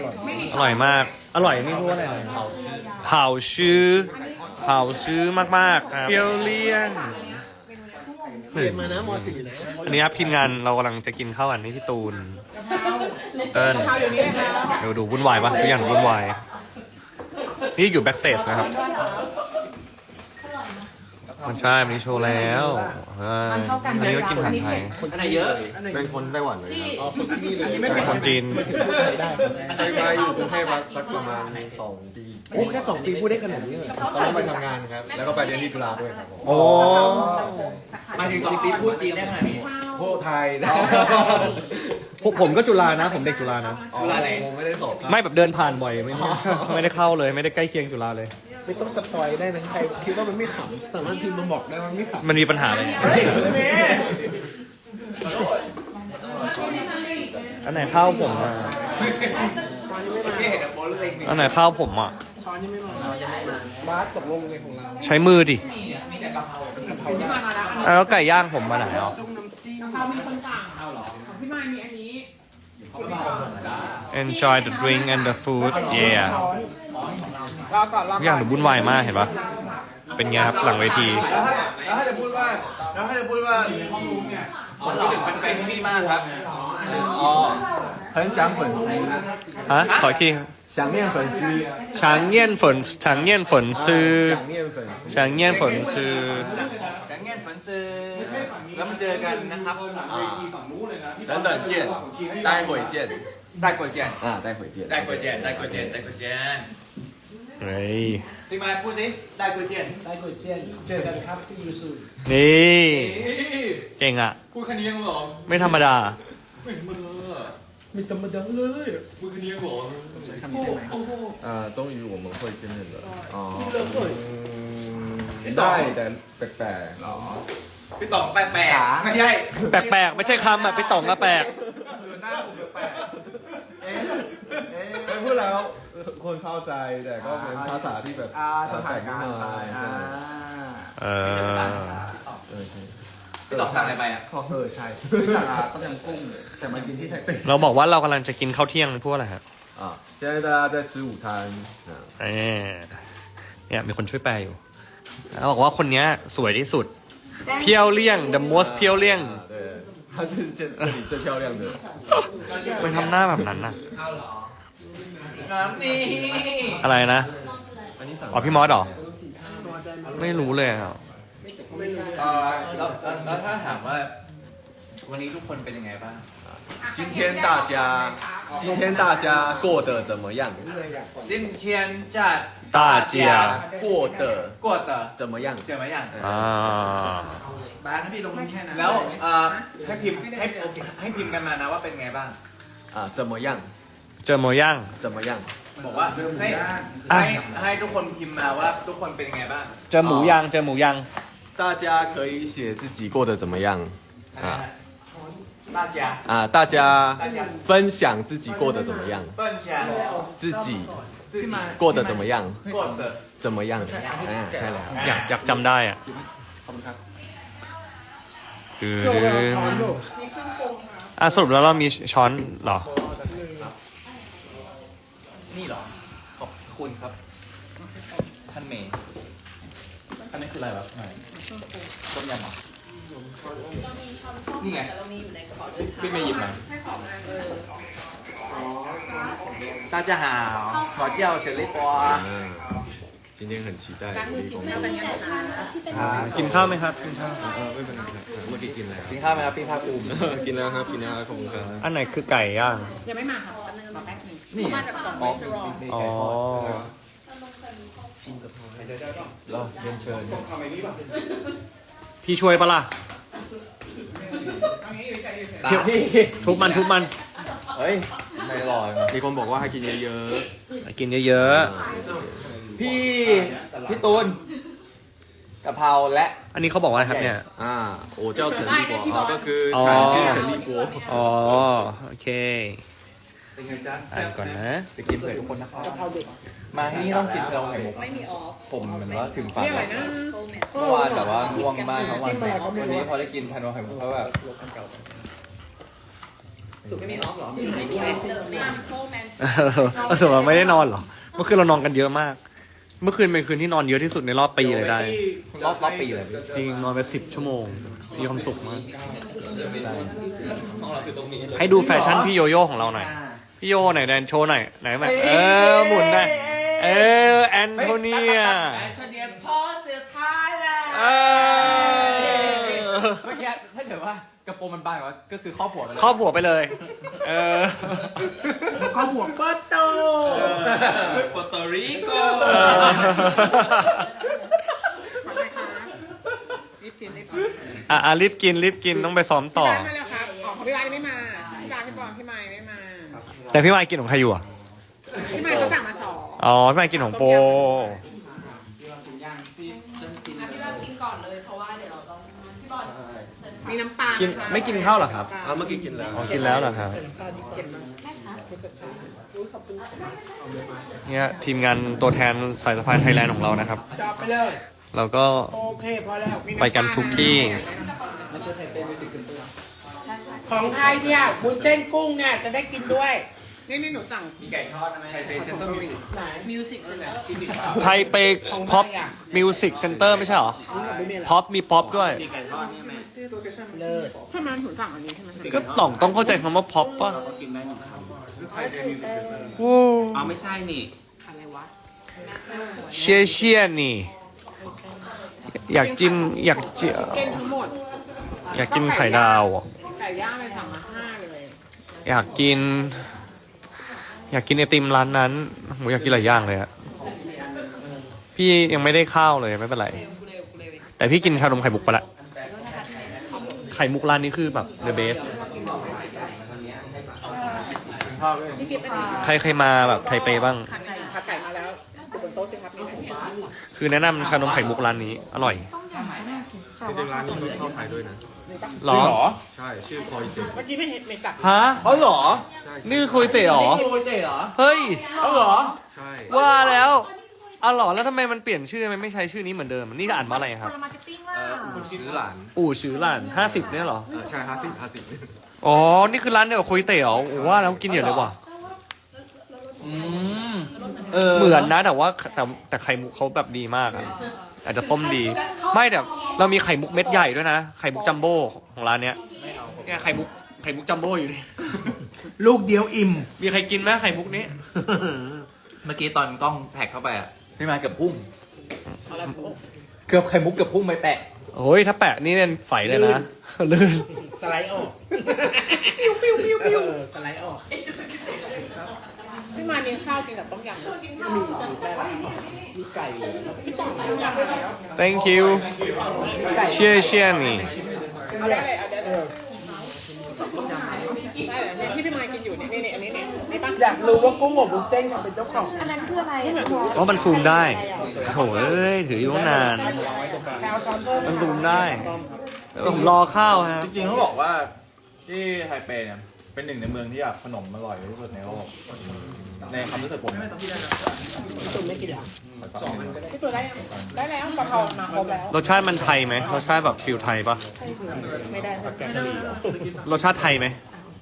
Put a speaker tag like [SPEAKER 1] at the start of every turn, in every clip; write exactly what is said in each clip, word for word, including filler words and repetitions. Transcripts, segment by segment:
[SPEAKER 1] อร่อยมากอร่อยนี่พูดว่าอะไรเผาชื้อเผาชื้อมากๆครับเปรี้ยวเลี่ยน
[SPEAKER 2] เรียนมานะม .สี่ นะ
[SPEAKER 1] อันนี้ครับทีมงานเรากำลังจะกินข้าวอันนี้ที่ตูนเติ้ลเดี๋ยวดูวุ่นวายปะทุกอย่างวุ่นวายนี่อยู่แบ็กสเตจนะครับมันใช่มันนี้โชว์แล้วอันนี้ก็กินอาหารไทย
[SPEAKER 2] อันไหนเยอะ
[SPEAKER 3] เป็นคนไต้หวันเลยครับ
[SPEAKER 2] อ๋อคนที่นี่เลย
[SPEAKER 1] เป็นคนจีน
[SPEAKER 2] ถึงพูดไทยได้
[SPEAKER 3] เคยมาอยู่กรุงเทพมาสักประมาณสองปี
[SPEAKER 2] โอ้แค่สองปีพูดได้ขนาดนี้เลย
[SPEAKER 3] ตอนนั้นไปทำงานครับ แล้วก็ไปเรียนที่จุฬาด้วยครับผม
[SPEAKER 1] โอ้
[SPEAKER 4] มาถึงสองปีพูดจีนได้ขนาดนี้
[SPEAKER 3] พวกไทยนะ
[SPEAKER 1] ผมผมก็จุฬานะ ผมเด็กจุฬานะ
[SPEAKER 3] จุฬาไหนผมไม่ได้สอบครับ
[SPEAKER 1] ไม่แบบเดินผ่านบ่อยไม่ไม่ได้เข้าเลยไม่ได้ใกล้เคียงจุฬาเลย
[SPEAKER 2] ไม่ต้องสปอยได้นะใครคิดว่ามันไม่ขำสามารถพิมพ์มาบอกได้ว่ามันไม่ขำ
[SPEAKER 1] มันมีปัญหาอะไร
[SPEAKER 2] เฮ้ยเมย์
[SPEAKER 1] อันไหนข้าวผมอ่ะ
[SPEAKER 2] ช้อนยังไม่มา
[SPEAKER 4] พี่เห็นแต่โบลเล็ก
[SPEAKER 1] อันไหนข้าวผมอ่ะ
[SPEAKER 2] ช้อนยังไม่มาบาสตกลงเลยของเรา
[SPEAKER 1] ใช้มือดิ
[SPEAKER 4] มีแต่กะเพรา
[SPEAKER 1] อ่ะแล้วไก่ย่างผมมาไหนอ่ะ
[SPEAKER 2] จุ่มน้ำจิ้ม
[SPEAKER 5] เรามีคนสั่งของพี่มายมีอันนี้
[SPEAKER 1] enjoy the drink and the food yeah
[SPEAKER 5] รอก่อนรอ
[SPEAKER 1] ทุกอ
[SPEAKER 5] ก่
[SPEAKER 1] ย่า
[SPEAKER 5] อง น
[SPEAKER 1] ดูวุ่นวายมากเห็นปะเป็นไงครับหลังเวที
[SPEAKER 4] แล้วถ้าแล้วถ้าจะพูดว่าแล้วถ้าจะพูดว่าคนที่หนึ่งเป็นไปให้พี่มากครับอ๋อ
[SPEAKER 3] 很想粉丝
[SPEAKER 1] ฮะขออีกที
[SPEAKER 3] 想念粉丝
[SPEAKER 1] ช้างเยี่ยนฝนช้างเยี่ยนฝนซื้อ
[SPEAKER 3] 想念粉丝
[SPEAKER 1] ช้างเยี่ยนฝนซื้อ
[SPEAKER 4] จังเงี้ยฝันเจอแล้วมาเจอกันนะครับ
[SPEAKER 3] 等等见待会见
[SPEAKER 4] ได้กว่าเจน
[SPEAKER 3] 啊待会见
[SPEAKER 4] ได้กว่าเจนได้กว่าเจนได้กว่าเจน
[SPEAKER 1] เฮ้ย
[SPEAKER 4] จริงไหมพูดสิได้กว่าเจน
[SPEAKER 2] ได้ก๋วยเจียนเจอกันครับซีอูซู
[SPEAKER 1] นี่เก่งอ่ะ
[SPEAKER 4] พูดคันนี้ยังหรอ
[SPEAKER 1] ไม่ธรรมดา
[SPEAKER 2] ไม่ธรรมดาเลย
[SPEAKER 4] พูดคันนี้ยังหรอ
[SPEAKER 3] 啊终于我们会见面了哦
[SPEAKER 2] เลิกเลย
[SPEAKER 3] 嗯ได้แต่แปลก
[SPEAKER 4] พี่ต่องแปลกๆไม่ใช่
[SPEAKER 1] แปลกๆ ไม่ใช่คำอ่ะพี่ต่องก็แปลก
[SPEAKER 4] หน้าผมแปลก
[SPEAKER 3] ๆเอ๊ะพูดแล้วคนเข้าใจแต่ก็เป็นภาษาที่แบบแปลกนิดหน่อย
[SPEAKER 1] เออ
[SPEAKER 4] พี่ต่องสั่งอะไรไปอ่ะ
[SPEAKER 3] เออใช่พี่สั่งต้มยำกุ้งแต่มากินที่ไทเป
[SPEAKER 1] เราบอกว่าเรากำลังจะกินข้าวเที่ยงพูดอะไรฮะ
[SPEAKER 3] อ่า现在大家在吃午餐啊
[SPEAKER 1] เออเนี่ยมีคนช่วยแปลอยู่แล้วบอกว่าคนเนี้ยสวยที่สุด เพียวเลี่ยง the most เพียวเลี่ยง
[SPEAKER 3] 啊对她是现这里最漂亮的
[SPEAKER 1] มันทำหน้าแบบนั้นน่ะ
[SPEAKER 4] น้ำนี่
[SPEAKER 1] อะไรนะ
[SPEAKER 3] อันนี้สั่ง
[SPEAKER 1] อ๋อพี่มอสเหรอ ไม่รู้เลยครับ
[SPEAKER 4] เออแล้วแล้วแล้วถ้าถามว่า วันนี้ทุกคนเป็นยังไงบ้าง
[SPEAKER 3] 今天大家今天大家过得怎么样
[SPEAKER 4] 今天จัด
[SPEAKER 1] 大家
[SPEAKER 3] 过得
[SPEAKER 4] กดเตอ
[SPEAKER 3] 怎么样
[SPEAKER 4] เจอไหมยัง
[SPEAKER 1] อ่า
[SPEAKER 5] บ้านถ้าพี่ลงแค่นั้น
[SPEAKER 4] แล้วเอ่อให้พิมพ์ให้ให้พิมพ์กันมานะว่าเป็นไงบ้าง
[SPEAKER 3] 啊怎么样
[SPEAKER 1] เจอโมย่าง
[SPEAKER 3] 怎么样
[SPEAKER 4] บอกว่าให้
[SPEAKER 1] อ่ะ
[SPEAKER 4] ให้ให้ทุกคนพิมพ์มาว่าทุกคนเป็นยังไงบ้าง
[SPEAKER 1] เจอหมูย่างเจอหมูย่าง
[SPEAKER 3] 大家可以写自己过得怎么样
[SPEAKER 4] อ่า大家
[SPEAKER 3] 啊大家
[SPEAKER 4] 大家
[SPEAKER 3] 分享自己过得怎么样
[SPEAKER 4] 分享
[SPEAKER 3] 自己
[SPEAKER 4] 自己
[SPEAKER 3] 过得怎么样
[SPEAKER 4] กด的
[SPEAKER 3] 怎么样อ่าใช่แล้ว
[SPEAKER 1] อยากอยากจำได้อ่ะ
[SPEAKER 2] ขอบคุณครับ
[SPEAKER 1] คืออ่ะสรุปแล้วเรามีช้อนเหรอ
[SPEAKER 4] นี่เหรอขอบคุณครับท่านเมย์อันนี้คืออะไรวะต้มยำเหรอนี่ไงพี่เมย์หยิบมา大家好ขอเจ้าเฉลิปอ
[SPEAKER 3] 啊今天很期待力公布
[SPEAKER 1] กินข้าวไหมครับกินข้าว
[SPEAKER 3] เออไม่เป็นไรครับเมื่อกี้กินแล้ว
[SPEAKER 4] กินข้าวไหมครับพี่ภาคภูมิ
[SPEAKER 3] กินแล้วครับกินแล้วขอบคุณครับ
[SPEAKER 1] อันไหนคือไก่ย่าง
[SPEAKER 5] ยังไม่มาครับแป๊บนึงรอแป๊บนึง
[SPEAKER 4] นี่
[SPEAKER 5] มาจากสอง
[SPEAKER 4] อ๋อ
[SPEAKER 5] รีสอร์ท
[SPEAKER 4] นี่
[SPEAKER 1] อ๋อ
[SPEAKER 3] รอเรียนเชิญ
[SPEAKER 1] พี่ช่วยปะล่ะ
[SPEAKER 4] ตาพี่
[SPEAKER 1] ทุบมันทุบมัน
[SPEAKER 4] เฮ้ยไม่ลอย
[SPEAKER 3] มีคนบอกว่าให้กินเยอะ
[SPEAKER 1] กินเยอะ
[SPEAKER 4] พี่พี่ตูนกะเพราและ
[SPEAKER 1] ๆ อันนี้เขาบอกว่าอะไรครับเนี่ย
[SPEAKER 3] ๆอ่าโอ้เจ้าเฉินลี่กัวอ๋อก็คือ
[SPEAKER 1] อ๋อ
[SPEAKER 3] ฉันชื่อเฉินลี่กัว
[SPEAKER 1] อ๋อ โอเคอ่านก่อนนะ
[SPEAKER 4] จะกินเผื่อทุกคนนะครับมาที่นี่ต้องกินชาไข่มุก
[SPEAKER 6] ไม่มีออฟ
[SPEAKER 4] ผมเหมือนว่าถึงฝัน
[SPEAKER 5] นี่อะไรนะ
[SPEAKER 4] เมื่อวานแบบว่าง่วงมากทั้งวันวันนี้พอได้กินชาไข่มุกแล้วแบบ
[SPEAKER 5] สุดไม่มีออฟหรอ
[SPEAKER 1] เออสมมติไม่ได้นอนเหรอ เมื่อคืนเรานอนกันเยอะมาก เมื่อคืนเป็นคืนที่นอนเยอะที่สุดในรอบปีเลยได้
[SPEAKER 4] รอบรอบปีเลย
[SPEAKER 1] จริงนอนไปสิบชั่วโมง มีความสุขมาก ให้ดูแฟชั่นพี่โยโย่ของเราหน่อย พี่โยไหนแดนโชว์หน่อยไหนมาเออหมุนได้เออแอนโทเนีย
[SPEAKER 5] แอนโทเนียพอสุดท้ายแล้ว
[SPEAKER 1] เออ
[SPEAKER 4] เมื่อกี้ถ้าเกิดว่ากระโปรงมันบานกว่าก็คือครอบหัวกันเลย
[SPEAKER 1] ครอบหัวไปเลย เออ
[SPEAKER 5] เขาหัวเปิดโต
[SPEAKER 4] โปรโตริโก
[SPEAKER 1] เออ
[SPEAKER 5] ขอบคุณค่ะรีบกินรีบกิน
[SPEAKER 1] อ่ะอ่ะรีบกินรีบกินต้องไปซ้อมต่อ
[SPEAKER 5] พี่บ้านมาแล้วครับอ๋อของพี่บ้านยังไม่มาพี่บ้านพี่บอลพี่ไม้ไม่มา
[SPEAKER 1] แต่พี่มายกินของใครอยู่อ่ะ
[SPEAKER 5] พี่ไม้เขาสั่งมาสอง
[SPEAKER 1] อ๋อ พี่มายกินของโป
[SPEAKER 5] มีน้ำปลา
[SPEAKER 1] กิน
[SPEAKER 5] นะคะ
[SPEAKER 1] ไม่กินข้าวเหรอครับ
[SPEAKER 3] อ่าเมื่อกี้กินแล้ว
[SPEAKER 1] อ๋อ กินแล้วเหรอครับ
[SPEAKER 5] เก็บมา
[SPEAKER 1] เนี่ยทีมงานตัวแทนสายสะพายไทยแลนด์ของเรานะครับ
[SPEAKER 5] จอบไปเลย
[SPEAKER 1] เราก็
[SPEAKER 5] โอเคพอแล้วมีำลา
[SPEAKER 1] ไปกันทุกที่
[SPEAKER 5] ของไทยเนี่ยบุญเส้นกุ้งเนี่ยจะได้กินด้วย นี่นี่หนูสั่ง
[SPEAKER 4] ไก่ทอดนะแม่
[SPEAKER 3] ไทเปเซ็นเตอร์มิวสิก
[SPEAKER 5] ไหนมิวสิกใช่ไหม
[SPEAKER 1] ไทเปพ็อปมิวสิกเซ็นเตอร์ไม่ใช่เหรอพ็อปมีพ็อปด้วย
[SPEAKER 4] ไก่ทอดเนี่ยแม่
[SPEAKER 5] เลิศใช่ไหมหนูสั่งอันนี้ใช่ไหม
[SPEAKER 1] ก็ต้องต้องเข้าใจคำว่าพ็อปป่ะ
[SPEAKER 4] ก็กินได้หนึ่งคำ
[SPEAKER 3] ไทเปมิวสิกเซ็นเตอร์
[SPEAKER 1] โอ้
[SPEAKER 4] เอาไม่ใช่นี่
[SPEAKER 5] อะไรวะ
[SPEAKER 1] เชี่ยเชี่ยนี่ อยากจิ้มอยากจิ
[SPEAKER 5] เก้นทั้งหมด
[SPEAKER 1] อยากกินไข่ดาวอ่ะ
[SPEAKER 5] ไก่ย่างเลยสั่งมาห้าเลย
[SPEAKER 1] อยากกิน อยากกินไอติมร้านนั้นผมอยากกินหลายอย่างเลยอะพี่ยังไม่ได้ข้าวเลยไม่เป็นไร แต่พี่กินชานมไข่มุกไปละ ไข่มุกร้านนี้คือแบบ the best ใครใครมาแบบไทเปบ้าง
[SPEAKER 5] ขาไก่ขาไก่มาแล้วอยู่บนโต๊ะสิครับนี่
[SPEAKER 1] คือแนะนำชานมไข่มุกร้านนี้ อร่อย
[SPEAKER 3] จริงๆร้านนี้มีข้าวไทยด้วยนะ
[SPEAKER 1] หรอ
[SPEAKER 3] ใช่ ชื่อคอยเซน
[SPEAKER 5] เมื่อกี้ไม่เห็นไม่กลับ
[SPEAKER 1] ฮะ
[SPEAKER 4] เขาเหรอ
[SPEAKER 1] นี่คือโคยเตะเหรอ
[SPEAKER 4] โคยเตะเหรอ
[SPEAKER 1] เฮ้ย
[SPEAKER 4] เขาเหรอ
[SPEAKER 3] ใช่
[SPEAKER 1] ว่าแล้วอ๋อเหรอแล้วทำไมมันเปลี่ยนชื่อมันไม่ใช้ชื่อนี้เหมือนเดิม นี่อ่านว่าอะไรครับ
[SPEAKER 3] เอ่ออุ่นซื้อหลาน
[SPEAKER 1] อู่ชื่อร้านห้าสิบเนี่ยเหรอ
[SPEAKER 3] เออใช่ห้าสิบห้าสิบ
[SPEAKER 1] อ๋อ นี่คือร้านเดียวกับโคยเตะเหรอโอ้ว่าแล้วกินเยอะเลยว่ะ
[SPEAKER 4] อืม
[SPEAKER 1] เหมือนนะแต่ว่าแต่แต่ไข่มุกเขาแบบดีมากอะอาจจะต้มดี ไม่แต่เรามีไข่มุกเม็ดใหญ่ด้วยนะ ไข่มุกจัมโบ้ของร้านเนี้ยเนี่ยไข่มุกไข่มุกจัมโบ้อยู่นี่
[SPEAKER 2] ลูกเดียวอิ่ม
[SPEAKER 1] มีใครกินไหมไข่มุกนี้
[SPEAKER 4] เมื่อกี้ตอนกล้องแท็กเข้าไปอ่ะพี่มาเกือบพุ่งเกือบไข่มุกเกือบพุ่งไปแปะ
[SPEAKER 1] โอ้ยถ้าแปะนี่เนี่ยไฝเลยนะลื่น
[SPEAKER 2] สไลด์ออก ปิ้วปิ้วปิ้วปิ้วสไลด์ออก
[SPEAKER 5] พี่มาเน้นข้าวกินกับต้มยำ
[SPEAKER 2] มีไก่เหลือ
[SPEAKER 5] พี่บอกต้มยำไปแล้ว
[SPEAKER 1] thank you เชี่ยเชี่ยนี่
[SPEAKER 5] เอาได้เลยเอาได้เลยได้เลยเนี่ยที่พี่มากินอยู่นี่นี่อันนี้เนี่ยนี่ปะ
[SPEAKER 2] อยากรู้ว่ากุ้งอบวุ้นเส้นเป็นเจ้าของ
[SPEAKER 5] อันนั้นคืออะไรอ่ะ
[SPEAKER 1] เพราะมันซูมได้โถเอ้ยถืออยู่ตั้งนาน
[SPEAKER 5] แคลช้อนเพิ่ม
[SPEAKER 1] มันซูมได้เออผมรอข้าวฮะ
[SPEAKER 4] จริงๆเขาบอกว่าที่ไทเปเนี่ยเป็นหนึ่งในเมืองที่แบบขนมอร่อยที่สุดในโลกในความรู้สึกผม
[SPEAKER 2] ตุ่มไม่กินหรอ
[SPEAKER 5] พี่ตัวได้ยังได้แล้วกะเพรามาครบแล้ว
[SPEAKER 1] รสชาติมันไทยไหมรสชาติแบบฟิลไทยปะ
[SPEAKER 5] ไม่ได้ค่ะ
[SPEAKER 1] รสชาติไทยไหม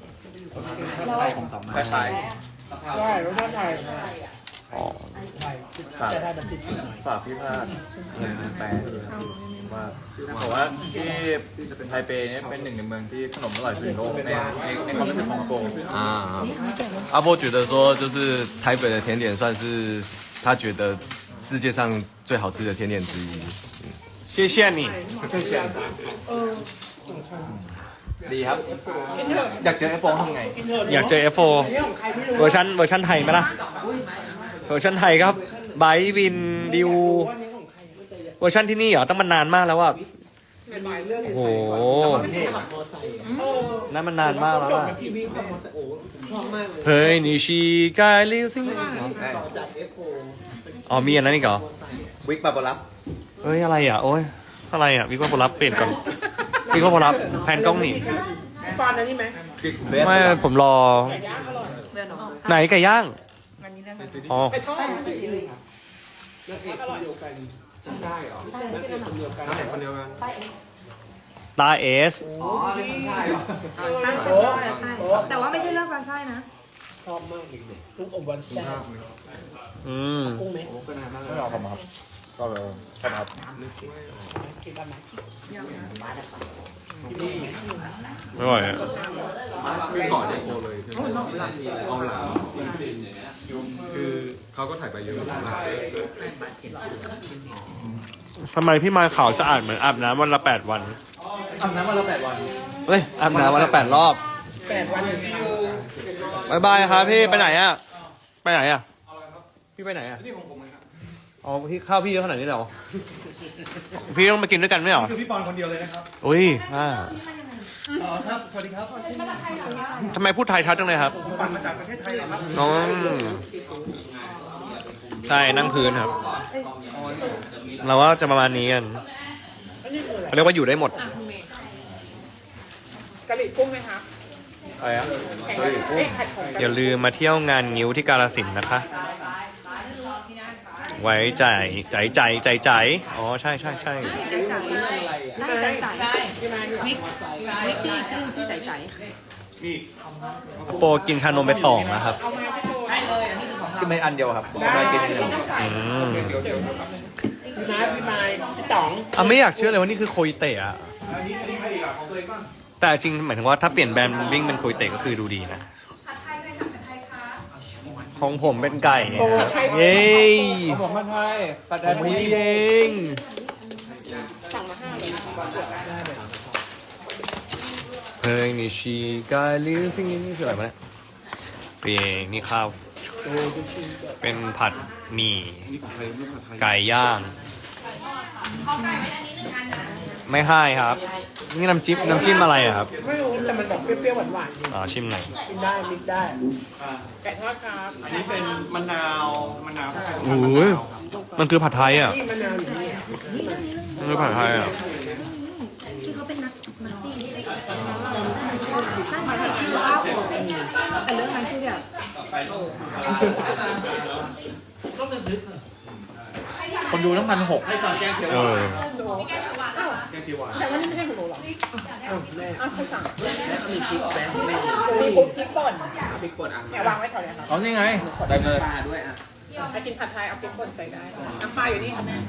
[SPEAKER 4] คล้าย
[SPEAKER 5] ได้รสชาติไทย
[SPEAKER 1] อ๋อ
[SPEAKER 4] ๆฝากฝากพี่ภาคแปลดีครับว่าบอกว่าที่ไทเปเนี่ยเป็นหนึ่งในเมืองที่ขนมอร่อยสุดในโลกในในในความรู้สึกของโก
[SPEAKER 6] 啊，阿波觉得说，就是台北的甜点算是他觉得世界上最好吃的甜点之一。
[SPEAKER 1] เชี่ยเชี่ยนี่
[SPEAKER 4] ดีครับ อยากเจอไอ้โฟงทำไง
[SPEAKER 1] อยากเจอ เอฟ โฟร์ เวอร์ชันเวอร์ชันไทยไหมล่ะ เวอร์ชันไทยครับไบร์ทวินดิว เวอร์ชันที่นี่เหรอต้องมันนานมากแล้วว่าโอ้โหนั่นมันนานมากแล้วอะเฮ้ยนิชิกายลิวซิงอ๋อมีอันนั้นอีกเหรอ
[SPEAKER 4] วิกบาบารับ
[SPEAKER 1] เฮ้ยอะไรอ่ะโอ้ยอะไรอ่ะวิกว่าผลลัพธ์เปลี่ยนก่อนวิกว่าผลลัพธ์แพนกล้องหนี
[SPEAKER 2] ปานอันนี้ไหม
[SPEAKER 4] เบส
[SPEAKER 1] ไม่ผมรอไหนไก่ย่างอ๋อ
[SPEAKER 5] ไปทอด
[SPEAKER 2] แล้วเอกคนเดียวกันใช่เหรอแล้วเอกคนเดียวกัน
[SPEAKER 3] น้ำแข็งคนเดียวกัน
[SPEAKER 1] ตาร์เอส
[SPEAKER 7] ใช่ใช่แต่ว่าไม่ใช่เรื่องซันใช่นะ
[SPEAKER 2] ชอบมากเด็กๆลูกอมวันแซ่บ
[SPEAKER 1] อืม
[SPEAKER 2] กุ้งไหม
[SPEAKER 4] ไม่เอาครับครับก็เลยครับ
[SPEAKER 5] กินกันไหม
[SPEAKER 1] ไม่ไหวอะ
[SPEAKER 3] คือก่อนได้โฟเลยใช่ไหมเอาหลังคือเขาก็ถ่ายไปเยอะมาก
[SPEAKER 1] ทำไมพี่มายขาวสะอาดเหมือนอาบน้ำวันละแปดวัน
[SPEAKER 4] อาบน้ำวันละแปดวัน
[SPEAKER 1] เฮ้ยอาบน้ำวันละแปดรอบ
[SPEAKER 2] แปดวันอยู่
[SPEAKER 1] บายบายครับพี่ไปไหนอะไปไหนอะพี่ไปไหนอะนี่ของผมครับอ๋อพี่ข้าวพี่เยอะขนาดนี้เหรอพี่ต้องมากินด้วยกันไหมเหรอ
[SPEAKER 3] คือพี่ปอนคนเดียวเลยนะครับ
[SPEAKER 1] อุ้ยอ่า
[SPEAKER 3] อ๋อครับสวัสดีครับ
[SPEAKER 1] ทำไมพูดไทยชัดจังเลยครับ
[SPEAKER 3] ปั่นมาจากประเทศไทยครับ
[SPEAKER 1] น้องใช่นั่งพื้นครับ เราว่าจะประมาณนี้กันเขาเรียกว่าอยู่ได้หมด
[SPEAKER 5] กะหรี่กุ้งไหมคะ
[SPEAKER 4] อะไรอ่ะ
[SPEAKER 5] แข่งกันเอ้ยผัดของ
[SPEAKER 1] อย่าลืมมาเที่ยวงานงิ้วที่กาฬสินธุ์นะคะ ไว้ใจใจใจใจใจอ๋อใช่ใช่ใช่
[SPEAKER 7] ใช่ใจใจวิกวิกที่ชื่อชื่อใจใจ
[SPEAKER 1] โปรกินชานมไปสองนะครับ
[SPEAKER 4] กินไปอันเดียวครับผมไม่กินอันเดียว
[SPEAKER 1] อืม
[SPEAKER 2] พี่มาพี่มายพี่ต๋อง
[SPEAKER 1] อ่ะไม่อยากเชื่อเลยว่านี่คือโคยเตะอะ
[SPEAKER 3] อันนี้อันนี้ใครอีกอ่ะของตัวเองบ้าง
[SPEAKER 1] แต่จริงหมายถึงว่าถ้าเปลี่ยนแบรนด์วิ่งเป็นโคยเตะก็คือดูดีนะของผมเป็นไก่เนี่ยครับเย้
[SPEAKER 4] ผมมาไทยผัดไท
[SPEAKER 1] ผ
[SPEAKER 4] ย
[SPEAKER 1] มพี่เอง
[SPEAKER 5] สั่งมาห้าเลย
[SPEAKER 1] เพลงนี้ชีกาลิวซิงนี่คืออะไรวะเนี่ยเพลงนี่ข้าวเป็นผัดหมี่ไก่ย่างไม่ให้ครับ นี่น้ำจิ้มน้ำจิ้มอะไรอะครับ
[SPEAKER 2] ไม่รู้แต่มันแบบเปรี้ยวๆหวานๆอยู่
[SPEAKER 1] อ๋อชิมหน่อย
[SPEAKER 2] กินได้มิกได้
[SPEAKER 5] ไก่ทอดครับ
[SPEAKER 3] อันนี้เป็นมะนาวมะนาว
[SPEAKER 1] โอ้ยมันคือผัดไทยอ่ะ
[SPEAKER 2] ที่มะนาวอยู่นี่
[SPEAKER 1] มันคือผัดไทยอ่ะ
[SPEAKER 7] ที่เขาเป็นนักนักซีใช่ไหมที่ว่าแต่เรื่องนั้นคือแบบ
[SPEAKER 4] คนดูตั้งพันหก
[SPEAKER 1] เออ
[SPEAKER 3] แกงเขียวหวาน
[SPEAKER 5] แต่ว่านี่ไม่ใช่ของหนูหรอ
[SPEAKER 2] อ้าวแม่
[SPEAKER 5] อ้าวคุณสั่ง
[SPEAKER 2] มีพริกแป้ง
[SPEAKER 5] หนูมีพริกพริกป่น
[SPEAKER 2] พริกป่นอ่ะ
[SPEAKER 5] เนี่ยวางไว้แถวเนี้ยครับ
[SPEAKER 4] อ๋อนี่ไงได้เลย
[SPEAKER 2] ปลาด้วยอ่ะ
[SPEAKER 5] ถ้ากินผัดไทยเอาพริกป่นใส่ได้น้ำปลาอยู่นี่ค่ะแม่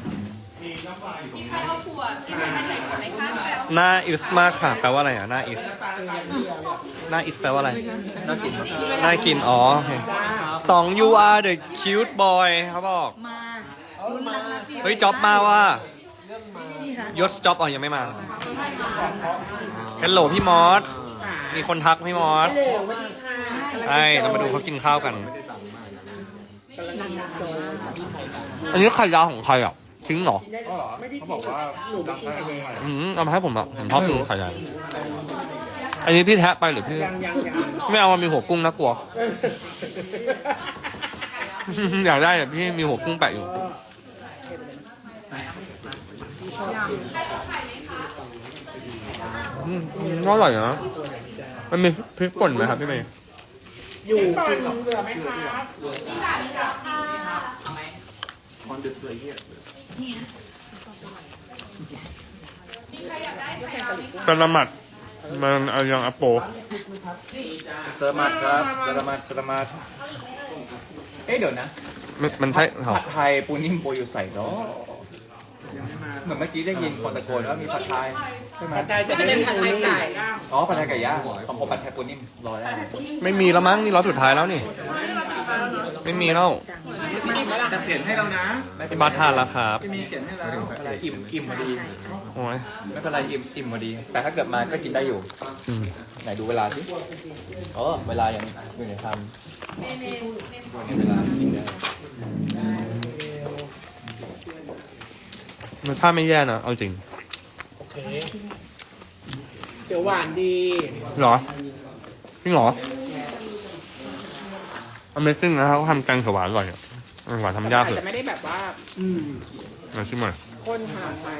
[SPEAKER 1] หน้าอิสมากค่ะ แปลว่าอะไรอ่ะ หน้าอิส หน้าอิสแปลว่าอะไร
[SPEAKER 4] น่ากิน
[SPEAKER 1] น่ากิน อ๋อโอเคตอง you are the cute boy เขาบอก
[SPEAKER 7] มาลุ้นแล้วนะ
[SPEAKER 1] เฮ้ยจ็อบมาว่ายศจ็อบอ๋อยังไม่มาฮัลโหลพี่มอส มีคนทักพี่มอส
[SPEAKER 2] เร็ววันนี้ค่ะ
[SPEAKER 1] ใช่เรามาดูเขากินข้าวกัน อันนี้ไข่ดาวของใครอ่ะทิ้งเหรอ
[SPEAKER 4] เขาบอกว่า
[SPEAKER 2] หนูไม่กินไข่แดง
[SPEAKER 1] อืมเอามาให้ผมอ่ะผมชอบกินไข่ดาวอันนี้พี่แทะไปหรือพี่
[SPEAKER 2] ยังยังยัง
[SPEAKER 1] ไม่เอามันมีหัวกุ้งนะกลัว อยากได้แต่พี่มีหัวกุ้งแปะอยู่อืมอร่อยนะมันมีพริกป่นไหมครับพี่เมย์
[SPEAKER 2] อยู่
[SPEAKER 5] ป่
[SPEAKER 2] กิ
[SPEAKER 5] น
[SPEAKER 2] นกับ
[SPEAKER 5] เหลือไหมครับ
[SPEAKER 1] สลัมัดมันเอายังอโป
[SPEAKER 4] สลามัดครับสลามัดสลามัดเอ๊ะเดี๋ยวนะ
[SPEAKER 1] มันมันใช่เหรอ
[SPEAKER 4] ผัดไทยปูนิ่มโปรอยู่ใส่เนาะเหมือนเมื่อกี้ได้ยินคนตะโกนว่ามีผัดไทยใช่ไหม
[SPEAKER 2] ผัดไทยแต่ไม่ได้ผัดไทยไก่
[SPEAKER 4] อ๋อผัดไทยไก่ย่างของผมผัดไทยปูนิ่มรอได้
[SPEAKER 1] ไม่มีแล้วมั้งนี่รอบสุดท้ายแล้วนี่ ไม่มีแล้ว
[SPEAKER 4] จะเปลี่ยนให้เรานะ
[SPEAKER 1] พี่บัสทานแล้วครับ
[SPEAKER 4] มีเปลี่ยนให้เราอิ่มอิ่มพอดี
[SPEAKER 1] โอ้ย
[SPEAKER 4] ไม่เป็นไรอิ่มอิ่มพอดี แต่ถ้าเกิดมาก็กินได้อยู่
[SPEAKER 1] อืม
[SPEAKER 4] ไหนดูเวลาสิอ๋อเวลายังอยู่ในทำเวลากินได้
[SPEAKER 1] รสชาติไม่แย่นะเอาจริง
[SPEAKER 2] โอเคเดี๋ยวหวานดี
[SPEAKER 1] เหรอจริงเหรอ Amazing นะเขาทำแกงเขียวหวานอร่อยอ่ะหวานทำยากเลย
[SPEAKER 5] แต่ไม่ได้แบบว่า
[SPEAKER 2] อืม
[SPEAKER 1] มาชิมหน่อย
[SPEAKER 5] ข้นขนาดไป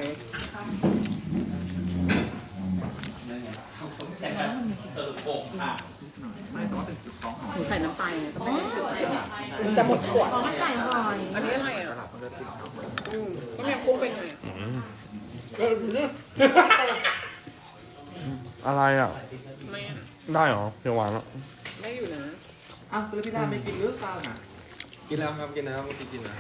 [SPEAKER 7] หนูใส่น้ำปลาไงก็ไม่ได้
[SPEAKER 5] จะหมดขวด
[SPEAKER 7] มันไก่อร่อย
[SPEAKER 5] อันนี้อะไรอ่ะอืมก็แม่กุ้งเป็นไง
[SPEAKER 1] อืม
[SPEAKER 2] เออเนี่ย
[SPEAKER 1] อะไรอ่ะ ได้เหรอเดี๋ยวหวานแล้ว
[SPEAKER 2] อ้าวแล้วพี่ดาไม่กินหรือเปล่าน่ะ
[SPEAKER 3] กินแล้วครับกินแล้วกินกินแล้ว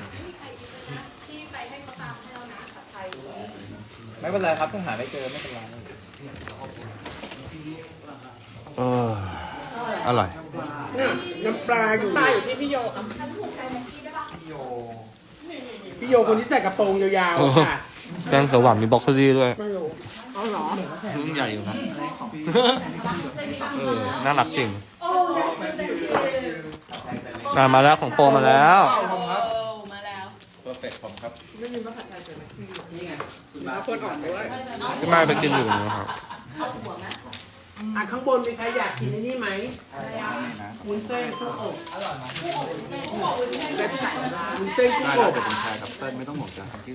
[SPEAKER 4] ไม่เป็นไรครับถ้าหาไม่เจอไม่เป็นไร
[SPEAKER 1] เอออร่อย
[SPEAKER 5] น้ำปลาอยู่ปลาอยู่ที่พี่โยพี่โยคนที่ใส่กระโปรงยาวๆค่ะ
[SPEAKER 1] แกงเขียวหวานมีบล็อกโคลี่ด้วย
[SPEAKER 5] ไม่รู้เอาเหรอ
[SPEAKER 1] รุ่นใหญ่อยู่นะเออน่ารักจริงอ่ะมาแล้วของโปรมาแล้ว
[SPEAKER 4] เพอร์เฟกต์ผมครับ
[SPEAKER 5] คนออกด้วย
[SPEAKER 1] พี่ไม้ไปกินอยู่นะครับ
[SPEAKER 5] อ่ะข้างบนมีใครอยากกินไอ้นี่ไหมวุ้นเส้นกุ้งอบอร่อยไหมวุ้นเส้นกุ้งอบ
[SPEAKER 3] ใช่ครับเต้นไม่ต้องห่วงจ้ะที่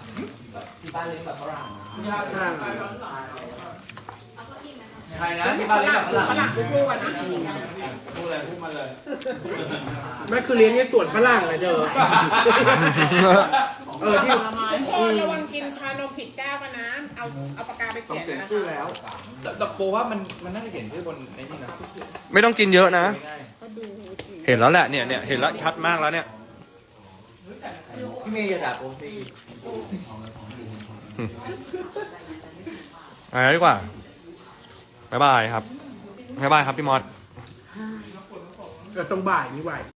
[SPEAKER 4] ใครนะที่บ้านเลี้ยงแบบฝรั่ง
[SPEAKER 5] ฝรั่งลูกๆอ่ะนะ
[SPEAKER 4] พูดอะไรพูดมาเลย
[SPEAKER 5] ไม่คือเลี้ยงในสวนฝรั่งเลยเธอเออที่ระวังกินชานมผิดแก้วกันนะ เอาเอาปากกาไปเขียนนะ
[SPEAKER 2] ชื่อแล้ว
[SPEAKER 4] แต่แต่โปรว่ามันมันน่าจะเขียนชื่อบนไอ้นี่นะ
[SPEAKER 1] ไม่ต้องกินเยอะนะ
[SPEAKER 4] ง่าย
[SPEAKER 1] เห็นแล้วแหละเนี่ยเนี่ยเห็นแล้วชัดมากแล้วเนี่ย
[SPEAKER 4] ๆพี่เมย์อย่าด่าโปรสิ
[SPEAKER 1] ไปแล้วดีกว่าบ๊ายบายครับบ๊ายบายครับพี่มอส
[SPEAKER 5] เออตรงบ่ายนี่ไหว